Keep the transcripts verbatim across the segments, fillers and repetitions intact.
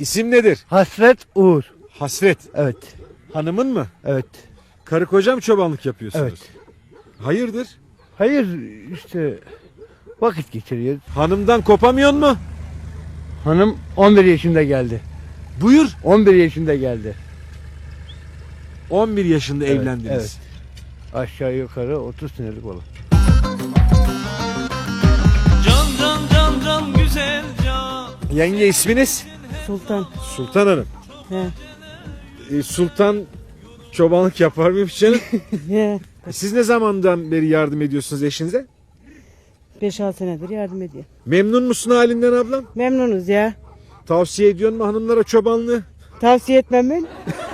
İsim nedir? Hasret Uğur. Hasret. Evet. Hanımın mı? Evet. Karı koca mı çobanlık yapıyorsunuz? Evet. Hayırdır? Hayır işte vakit geçiriyoruz. Hanımdan kopamıyor mu? Hanım on bir yaşında geldi. Buyur. on bir yaşında geldi. on bir yaşında Evet, evlendiniz. evet. Aşağı yukarı otuz senelik olur. Can can can can güzel can. Yenge isminiz? Sultan. Sultan Hanım. He. Ee, Sultan çobanlık yapar mıymış canım? He. Siz ne zamandan beri yardım ediyorsunuz eşinize? beş altı senedir yardım ediyor. Memnun musun halinden ablam? Memnunuz ya. Tavsiye ediyor mu hanımlara çobanlığı? Tavsiye etmem ben.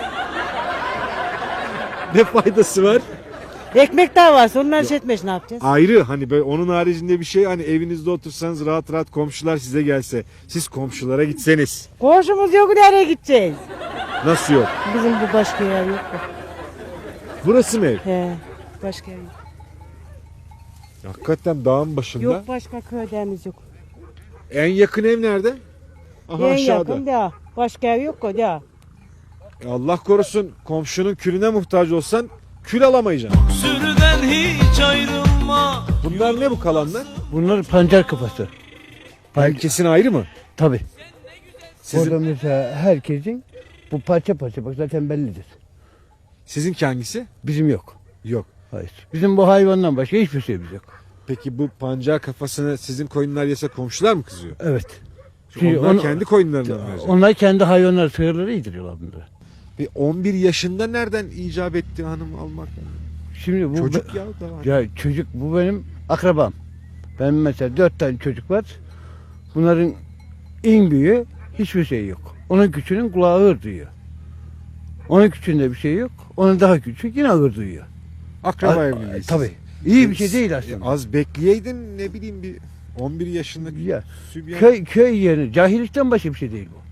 Ne faydası var? Ekmek davası onlar şey etmiş ne yapacağız? Ayrı hani böyle onun haricinde bir şey, hani evinizde otursanız rahat rahat komşular size gelse, siz komşulara gitseniz. Komşumuz yok, nereye gideceğiz? Nasıl yok? Bizim bu başka yer yok. da. Burası mı ev? He. Başka yer yok. Hakikaten dağın başında. Yok başka köylerimiz yok. En yakın ev nerede? Aha en aşağıda. yakın da. Başka ev yok o da. Allah korusun, komşunun külüne muhtaç olsan kül alamayacaksın. Sürüden hiç ayrılma. Bunlar ne bu kalanlar? Bunlar pancar kafası. Herkesin ayrı mı? Tabii. Sizin, Orada mesela herkesin bu parça parça bak zaten bellidir. sizinki hangisi? Bizim yok. Yok. Hayır. Bizim bu hayvandan başka hiçbir şeyimiz yok. Peki bu pancar kafasını sizin koyunlar yese komşular mı kızıyor? Evet. Çünkü Çünkü onlar onu- kendi koyunlarından mı verecek? Onlar kendi hayvanlar, sığırları yediriyorlar bunları. Bir on bir yaşında nereden icap etti hanım almak? Şimdi bu Çocuk ya daha. ya çocuk bu benim akrabam. Benim mesela dört tane çocuk var. Bunların en büyüğü hiçbir şey yok. Onun küçüğünün kulağı ağır duyuyor. Onun küçüğünde bir şey yok. Onun daha küçük yine ağır duyuyor. Akraba A- evliliği. Tabii. İyi bir şey değil E, aslında. Az bekleyeydin, ne bileyim, bir on bir yaşındaki Ya, sübyan. Köy köy yeri cahillikten başka bir şey değil bu.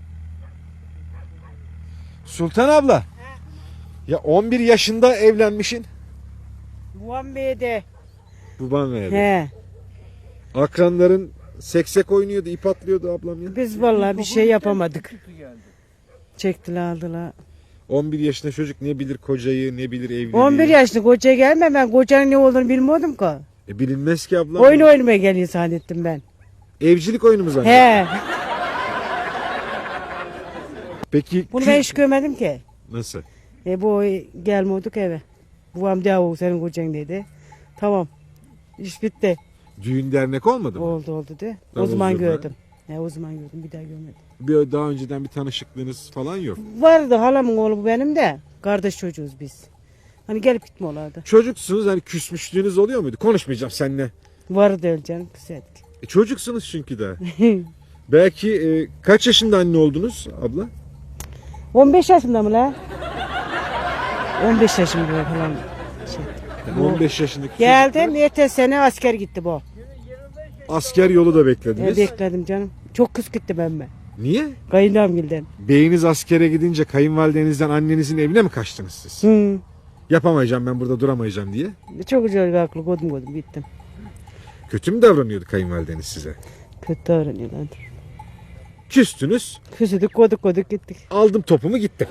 Sultan abla. Ya on bir yaşında evlenmişin. Muhan Bey'de. Baban verdi. He. Akranların seksek oynuyordu, ip atlıyordu ablam ya. Biz vallahi bir şey yapamadık. Çektiler aldılar. on bir yaşında çocuk ne bilir kocayı, ne bilir evliliği. on bir yaşlı koca gelme, ben kocanın ne olduğunu bilmiyordum ki. E, bilinmez ki ablam. Oyun oynamaya geliyor zannettim ben. Evcilik oyunu mu zannediyor? He. Peki Bunu kü- ben hiç görmedim ki. nasıl? E bu gelmiyorduk eve. Babam da senin kocan dedi. Tamam. İş bitti. Düğün dernek olmadı mı? Oldu oldu de. O Davul zaman zurna. gördüm. He, o zaman gördüm, bir daha görmedim. Bir daha önceden bir tanışıklığınız falan yok. Vardı halamın oğlu bu benim de. Kardeş çocuğuz biz. Hani gelip gitme olardı. Çocuksunuz, hani küsmüşlüğünüz oluyor muydu? Konuşmayacağım seninle. Vardı öyle canım, güzeldik. E, çocuksunuz çünkü daha. Belki e, kaç yaşında anne oldunuz abla? on beş yaşında mı la? on beş yaşında falan. Şey. Yani on beş yaşındaki Geldim, çocuklar, ertesi sene asker gitti bu. asker yolu da E, beklediniz. bekledim canım. Çok kız gitti benimle. Niye? Kayınlamgilden. Beyiniz askere gidince kayınvalidenizden annenizin evine mi kaçtınız siz? Hı. Yapamayacağım, ben burada duramayacağım diye. Çok güzel aklı kodum kodum gittim. Kötü mü davranıyordu kayınvalideniz size? Kötü davranıyorlardı. Küstünüz, Küsüdük koduk koduk gittik. aldım topumu gittim.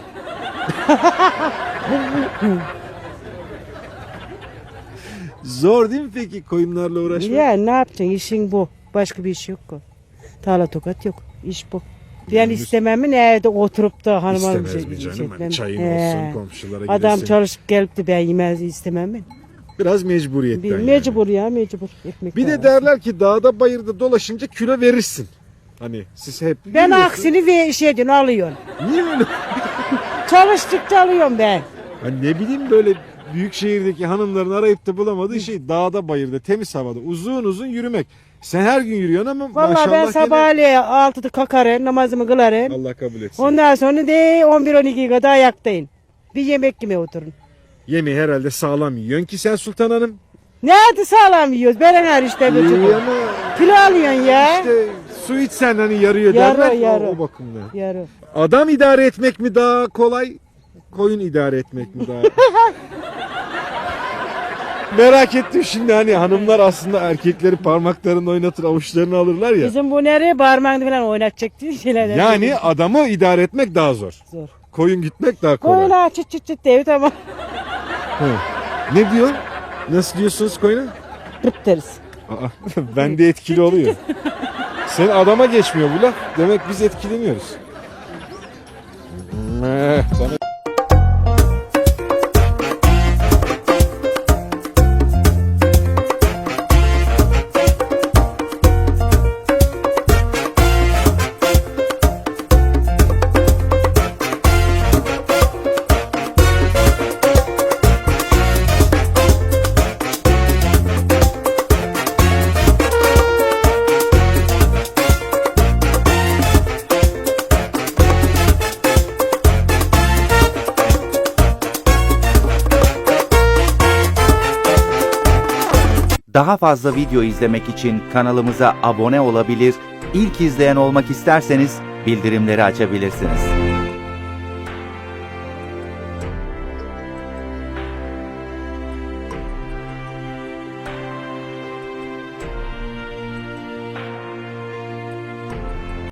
Zor değil mi peki koyunlarla uğraşmak? Ya ne yapacaksın, işin bu. Başka bir iş yok ki. Tarla tokat yok. İş bu. Ben Gündüz- istemem evde oturup da hanıma bir İstemez şey, mi canım? şey Hani etmem. çayın He. olsun, komşulara Adam gidesin. çalışıp gelip de ben yemez istemem ben. Biraz mecburiyetten Bir, yani. mecbur ya mecbur. Ekmek Bir de davası. derler ki dağda bayırda dolaşınca kilo verirsin. Hani siz hep Ben biliyorsun. aksini ve şey diyorsun, alıyorsun. Niye öyle? Çalıştıkça alıyorum ben. Hani ne bileyim, böyle büyük şehirdeki hanımların arayıp da bulamadığı şey dağda bayırda temiz havada uzun uzun yürümek. Sen her gün yürüyorsun ama Vallahi maşallah ben gene- sabahleyin altıda kalkarım, namazımı kılarım. Allah kabul etsin. Ondan sonra de on bir on iki kadar ayaktayım. Bir yemek yemeye oturun. Yemeği herhalde sağlam yiyorsun ki sen Sultan Hanım. Nerede sağlam yiyoruz? Ben her işte İyi götürüyorum. ama Kilo alıyorsun ya. işte su içsen hani yarıyor Yarı, derler. O- yarı. O, bakımdan. Yarı. Adam idare etmek mi daha kolay? Koyun idare etmek mi daha? Merak ettim şimdi, hani hanımlar aslında erkekleri parmaklarını oynatır, avuçlarını alırlar ya. Bizim bu nereye parmağını falan oynatacak diye şeyler. Yani adamı idare etmek daha zor. Zor. Koyun gitmek daha kolay. Koyuna çıt çıt çıt diye tamam. Hı. Ne diyor? Nasıl diyorsunuz koyuna? Pırt deriz. Aa, bende etkili oluyor. Senin adama geçmiyor bu laf. Demek biz etkileniyoruz. Meh, bana- Daha fazla video izlemek için kanalımıza abone olabilir, ilk izleyen olmak isterseniz bildirimleri açabilirsiniz.